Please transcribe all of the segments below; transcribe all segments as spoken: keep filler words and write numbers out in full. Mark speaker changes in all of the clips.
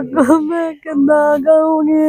Speaker 1: को मैं कितना गाऊंगी।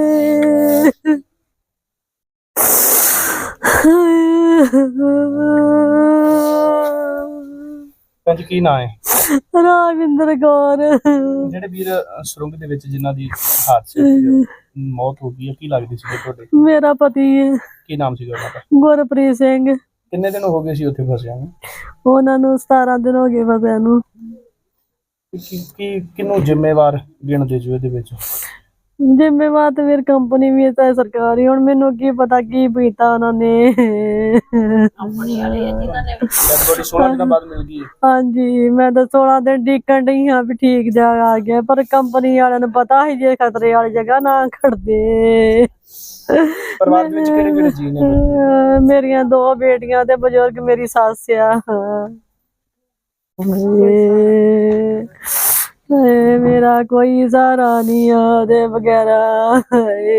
Speaker 2: ਭੈਣ ਜੀ ਕੀ ਨਾਂ ਹੈ?
Speaker 1: राविंदर कौर।
Speaker 2: ਜਿਹੜੇ ਵੀਰ ਸੁਰੰਗ ਦੇ ਵਿੱਚ ਜਿਨ੍ਹਾਂ ਦੀ ਹਾਦਸੇ ਵਿੱਚ ਮੌਤ ਹੋ ਗਈ ਹੈ, ਕੀ ਲੱਗਦੀ ਸੀ ਤੁਹਾਡੇ?
Speaker 1: मेरा पति है
Speaker 2: ਕੀ ਨਾਮ ਸੀਗਾ ਉਹਨਾਂ ਦਾ?
Speaker 1: गुरप्रीत सिंह।
Speaker 2: ਕਿੰਨੇ ਦਿਨ ਹੋ ਗਏ ਸੀ ਉੱਥੇ ਫਸਿਆ ਨੂੰ?
Speaker 1: ਉਹਨਾਂ ਨੂੰ ਸਤਾਰਾਂ ਦਿਨ ਹੋ ਗਏ ਫਸਿਆ ਨੂੰ।
Speaker 2: ਕੀ ਕੀ ਕਿਹਨੂੰ ਜ਼ਿੰਮੇਵਾਰ ਗਿਣਦੇ ਜੋ ਇਹਦੇ ਵਿੱਚ?
Speaker 1: ਜ਼ਿੰਮੇਵਾਰ ਤੇ ਫਿਰ ਕੰਪਨੀ ਵੀ ਹੈ ਸਰਕਾਰੀ। ਹੁਣ ਮੈਨੂੰ ਕੀ ਪਤਾ ਕੀ ਪੀਤਾ ਉਹਨਾਂ ਨੇ।
Speaker 2: ਕੰਪਨੀ ਵਾਲੇ ਜਿਨ੍ਹਾਂ ਨੇ ਬੜੀ ਸੋਲਾਂ ਦਿਨਾਂ ਬਾਅਦ ਮਿਲ ਗਈ।
Speaker 1: ਹਾਂਜੀ ਮੈਂ ਤਾਂ ਸੋਲਾਂ ਦਿਨ ਡੀਕਣ ਡਈ ਹਾਂ ਵੀ ਠੀਕ ਜਾ ਆ ਗਿਆ, ਪਰ ਕੰਪਨੀ ਵਾਲਿਆਂ ਨੂੰ ਪਤਾ ਸੀ ਜੇ ਖਤਰੇ ਵਾਲੀ ਜਗ੍ਹਾ ਨਾ ਖੜਦੇ।
Speaker 2: ਪਰਿਵਾਰ ਦੇ ਵਿੱਚ ਕਿਹੜੇ ਕਿਹੜੇ ਜੀ ਨੇ?
Speaker 1: ਮੇਰੀਆਂ ਦੋ ਬੇਟੀਆਂ ਤੇ ਬਜ਼ੁਰਗ ਮੇਰੀ ਸੱਸ ਆ। ਹਾਏ ਮੇਰਾ ਕੋਈ ਸਹਾਰਾ ਨਹੀਂ ਉਹਦੇ ਵਗੈਰਾ। ਹਾਏ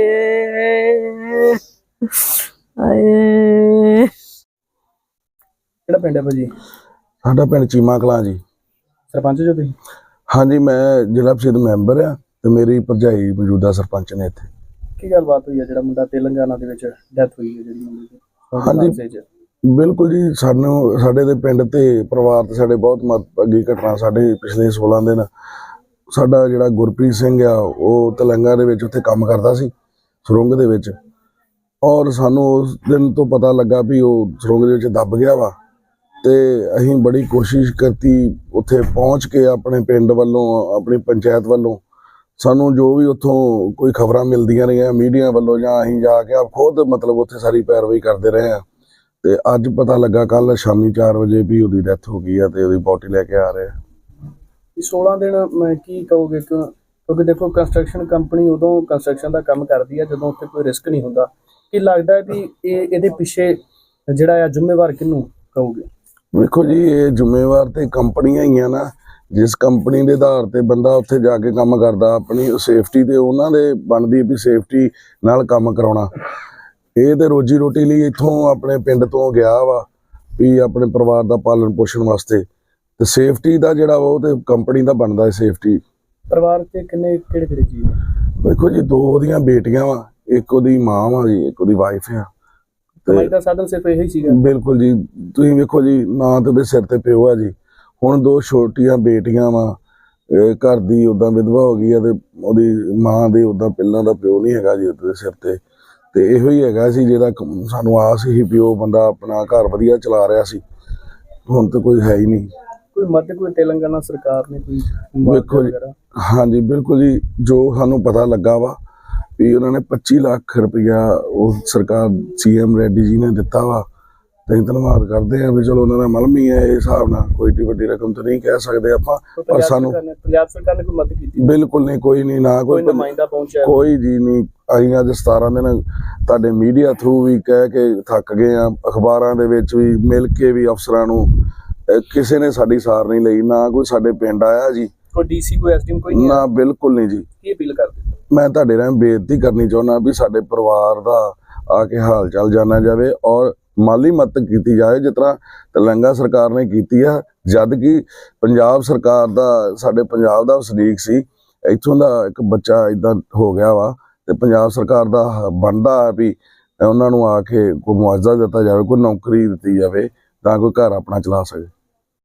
Speaker 1: ਹਾਏ।
Speaker 2: ਕਿਹੜਾ ਪਿੰਡ ਹੈ ਭਾਜੀ?
Speaker 3: ਸਾਡਾ ਪਿੰਡ ਚੀਮਾ ਕਲਾਂ ਜੀ।
Speaker 2: ਸਰਪੰਚ ਜੋ ਤੁਸੀਂ?
Speaker 3: ਹਾਂਜੀ ਮੈਂ ਜ਼ਿਲ੍ਹਾ ਪ੍ਰੀਸ਼ਦ ਮੈਂਬਰ ਆ ਤੇ ਮੇਰੀ ਭਰਜਾਈ ਮੌਜੂਦਾ ਸਰਪੰਚ ਨੇ ਇੱਥੇ।
Speaker 2: ਕੀ ਗੱਲਬਾਤ ਹੋਈ ਹੈ ਜਿਹੜਾ ਮੁੰਡਾ ਤੇਲੰਗਾਨਾ ਦੇ ਵਿੱਚ ਡੈਥ ਹੋਈ ਹੈ ਜਿਹੜੀ ਮੁੰਡੇ ਦੀ?
Speaker 3: ਹਾਂਜੀ ਬਿਲਕੁਲ ਜੀ, ਸਾਨੂੰ ਸਾਡੇ ਦੇ ਪਿੰਡ ਤੇ ਪਰਿਵਾਰ ਤੇ ਸਾਡੇ ਬਹੁਤ ਮੰਦਭਾਗੀ ਘਟਨਾ। ਸਾਡੇ ਪਿਛਲੇ ਸੋਲਾਂ ਦਿਨ ਸਾਡਾ ਜਿਹੜਾ ਗੁਰਪ੍ਰੀਤ ਸਿੰਘ ਆ ਉਹ ਤੇਲੰਗਾਨਾ ਦੇ ਵਿੱਚ ਉੱਥੇ ਕੰਮ ਕਰਦਾ ਸੀ ਸੁਰੰਗ ਦੇ ਵਿੱਚ, ਔਰ ਸਾਨੂੰ ਉਸ ਦਿਨ ਤੋਂ ਪਤਾ ਲੱਗਾ ਵੀ ਉਹ ਸੁਰੰਗ ਦੇ ਵਿੱਚ ਦੱਬ ਗਿਆ ਵਾ। ਤੇ ਅਸੀਂ ਬੜੀ ਕੋਸ਼ਿਸ਼ ਕੀਤੀ ਉੱਥੇ ਪਹੁੰਚ ਕੇ, ਆਪਣੇ ਪਿੰਡ ਵੱਲੋਂ ਆਪਣੀ ਪੰਚਾਇਤ ਵੱਲੋਂ ਸਾਨੂੰ ਜੋ ਵੀ ਉੱਥੋਂ ਕੋਈ ਖਬਰਾਂ ਮਿਲਦੀਆਂ ਰਹੀਆਂ ਮੀਡੀਆ ਵੱਲੋਂ, ਜਾਂ ਅਸੀਂ ਜਾ ਕੇ ਆਪ ਖੁਦ ਮਤਲਬ ਉੱਥੇ ਸਾਰੀ ਪੈਰਵਾਈ ਕਰਦੇ ਰਹੇ ਹਾਂ। ਤੇ ਅੱਜ ਪਤਾ ਲੱਗਾ ਕੱਲ ਸ਼ਾਮੀ ਚਾਰ ਵਜੇ ਵੀ ਉਹਦੀ ਡੈਥ ਹੋ ਗਈ ਆ ਤੇ ਉਹਦੀ ਬੋਡੀ ਲੈ ਕੇ ਆ ਰਹੇ ਆ।
Speaker 2: ਸੋਲਾਂ ਦਿਨ ਮੈਂ ਕੀ ਕਹੋਗੇ? ਕਿਉਂਕਿ ਦੇਖੋ ਕੰਸਟਰਕਸ਼ਨ ਕੰਪਨੀ ਉਦੋਂ ਕੰਸਟਰਕਸ਼ਨ ਦਾ ਕੰਮ ਕਰਦੀ ਹੈ ਜਦੋਂ ਉੱਥੇ ਕੋਈ ਰਿਸਕ ਨਹੀਂ ਹੁੰਦਾ। ਕੀ ਲੱਗਦਾ ਵੀ ਇਹ ਇਹਦੇ ਪਿੱਛੇ ਜਿਹੜਾ ਆ ਜ਼ਿੰਮੇਵਾਰ ਕਿਹਨੂੰ ਕਹੋਗੇ?
Speaker 3: ਵੇਖੋ ਜੀ, ਇਹ ਜ਼ਿੰਮੇਵਾਰ ਤੇ ਕੰਪਨੀਆਂ ਹੀ ਆ ਨਾ। ਜਿਸ ਕੰਪਨੀ ਦੇ ਆਧਾਰ ਤੇ ਬੰਦਾ ਉੱਥੇ ਜਾ ਕੇ ਕੰਮ ਕਰਦਾ, ਆਪਣੀ ਸੇਫਟੀ ਤੇ ਉਹਨਾਂ ਦੇ ਬਣਦੀ ਵੀ ਸੇਫਟੀ ਨਾਲ ਕੰਮ ਕਰਾਉਣਾ। ਇਹ ਤੇ ਰੋਜੀ ਰੋਟੀ ਲਈ ਇੱਥੋਂ ਆਪਣੇ ਪਿੰਡ ਤੋਂ ਗਿਆ ਵਾ ਵੀ ਆਪਣੇ ਪਰਿਵਾਰ ਦਾ ਪਾਲਣ ਪੋਸ਼ਣ ਵਾਸਤੇ, ਤੇ ਸੇਫਟੀ ਦਾ ਜਿਹੜਾ ਵਾ ਉਹ ਤੇ ਕੰਪਨੀ ਦਾ ਬਣਦਾ ਹੈ ਸੇਫਟੀ।
Speaker 2: ਪਰਿਵਾਰ ਤੇ ਕਿੰਨੇ ਕਿਹੜੇ ਕਿਹੜੇ ਜੀ ਨੇ?
Speaker 3: ਵੇਖੋ ਜੀ, ਦੋ ਉਹਦੀਆਂ ਬੇਟੀਆਂ ਵਾ, ਇੱਕ ਉਹਦੀ ਮਾਂ ਵਾ ਜੀ, ਇੱਕ ਉਹਦੀ ਵਾਈਫ ਆ।
Speaker 2: ਕਮਾਈ ਦਾ ਸਾਧਨ ਸਿਰਫ ਇਹੀ ਸੀਗਾ? ਬਿਲਕੁਲ
Speaker 3: ਜੀ, ਤੁਸੀਂ ਵੇਖੋ ਜੀ, ਨਾ ਤੇ ਉਹਦੇ ਸਿਰ ਤੇ ਪਿਓ ਆ ਜੀ, ਹੁਣ ਦੋ ਛੋਟੀਆਂ ਬੇਟੀਆਂ ਵਾ। ਘਰ ਦੀ ਉਦਾਂ ਵਿਧਵਾ ਹੋ ਗਈ ਆ ਤੇ ਉਹਦੀ ਮਾਂ ਦੇ ਉਦਾਂ ਪਹਿਲਾਂ ਦਾ ਪਿਓ ਨਹੀਂ ਹੈਗਾ ਜੀ ਉਹਦੇ ਸਿਰ ਤੇ। ਤੇ ਇਹੋ ਹੀ ਹੈਗਾ ਸੀ ਜਿਹਦਾ ਸਾਨੂੰ ਆਸ ਸੀ ਵੀ ਉਹ ਬੰਦਾ ਆਪਣਾ ਘਰ ਵਧੀਆ ਚਲਾ ਰਿਹਾ ਸੀ। ਹੁਣ ਤਾਂ ਕੋਈ ਹੈ ਹੀ ਨਹੀਂ।
Speaker 2: ਕੋਈ ਮਦਦ ਕੋਈ ਤੇਲੰਗਾਨਾ ਸਰਕਾਰ ਨੇ ਕੋਈ?
Speaker 3: ਵੇਖੋ ਜੀ, ਹਾਂਜੀ ਬਿਲਕੁਲ ਜੀ, ਜੋ ਸਾਨੂੰ ਪਤਾ ਲੱਗਾ ਵਾ ਵੀ ਉਹਨਾਂ ਨੇ ਪੱਚੀ ਲੱਖ ਰੁਪਇਆ ਉਹ ਸਰਕਾਰ ਸੀ ਐਮ ਰੈਡੀ ਜੀ ਨੇ ਦਿੱਤਾ ਵਾ। ਤੇ ਧੰਨਵਾਦ ਕਰਦੇ ਆ ਵੀ ਚਲੋ ਉਹਨਾਂ ਦਾ ਮਲਮ ਹੀ ਹੈ ਇਹ ਹਿਸਾਬ ਨਾਲ, ਕੋਈ ਏਡੀ ਵੱਡੀ ਰਕਮ ਤਾਂ ਨਹੀਂ ਕਹਿ ਸਕਦੇ ਆਪਾਂ। ਪਰ ਸਾਨੂੰ
Speaker 2: ਪੰਜਾਬ ਸਰਕਾਰ ਨੇ ਕੋਈ ਮਦਦ ਕੀਤੀ?
Speaker 3: ਬਿਲਕੁਲ ਨਹੀਂ, ਕੋਈ ਨਹੀਂ, ਨਾ ਕੋਈ
Speaker 2: ਨੁਮਾਇੰਦਾ ਪਹੁੰਚਿਆ? ਕੋਈ
Speaker 3: ਜੀ ਨਹੀਂ। ਅਸੀਂ ਅੱਜ ਸਤਾਰਾਂ ਦਿਨ ਤੁਹਾਡੇ ਮੀਡੀਆ ਥਰੂ ਵੀ ਕਹਿ ਕੇ ਥੱਕ ਗਏ ਆ, ਅਖਬਾਰਾਂ ਦੇ ਵਿੱਚ ਵੀ ਮਿਲ ਕੇ ਵੀ ਅਫਸਰਾਂ ਨੂੰ, ਕਿਸੇ ਨੇ ਸਾਡੀ ਸਾਰ ਨਹੀਂ ਲਈ। ਨਾ ਕੋਈ ਸਾਡੇ ਪਿੰਡ ਆਇਆ ਜੀ,
Speaker 2: ਕੋਈ ਡੀਸੀ ਕੋਈ ਐਸਡੀਐਮ ਕੋਈ ਨਹੀਂ?
Speaker 3: ਨਾ ਬਿਲਕੁਲ ਨਹੀਂ ਜੀ।
Speaker 2: ਕੀ ਅਪੀਲ ਕਰਦੇ?
Speaker 3: ਮੈਂ ਤੁਹਾਡੇ ਨਾਲ ਬੇਨਤੀ ਕਰਨੀ ਚਾਹੁੰਦਾ ਵੀ ਸਾਡੇ ਪਰਿਵਾਰ ਦਾ ਆ ਕੇ ਹਾਲ ਚਾਲ ਜਾਣਿਆ ਜਾਵੇ ਔਰ ਮਾਲੀ ਮਦਦ ਕੀਤੀ ਜਾਏ ਜਿਸ ਤਰ੍ਹਾਂ ਤੇਲੰਗਾਨਾ ਸਰਕਾਰ ਨੇ ਕੀਤੀ ਆ। ਜਦ ਕਿ ਪੰਜਾਬ ਸਰਕਾਰ ਦਾ, ਸਾਡੇ ਪੰਜਾਬ ਦਾ ਵਸਨੀਕ ਸੀ, ਇੱਥੋਂ ਦਾ ਇੱਕ ਬੱਚਾ ਇਦਾਂ ਹੋ ਗਿਆ ਵਾ, ਤੇ ਪੰਜਾਬ ਸਰਕਾਰ ਦਾ ਬਣਦਾ ਵੀ ਉਹਨਾਂ ਨੂੰ ਆ ਕੇ ਕੋਈ ਮੁਆਵਜ਼ਾ ਦਿੱਤਾ ਜਾਵੇ, ਕੋਈ ਨੌਕਰੀ ਦਿੱਤੀ ਜਾਵੇ ਤਾਂ ਕੋਈ ਘਰ ਆਪਣਾ ਚਲਾ ਸਕੇ।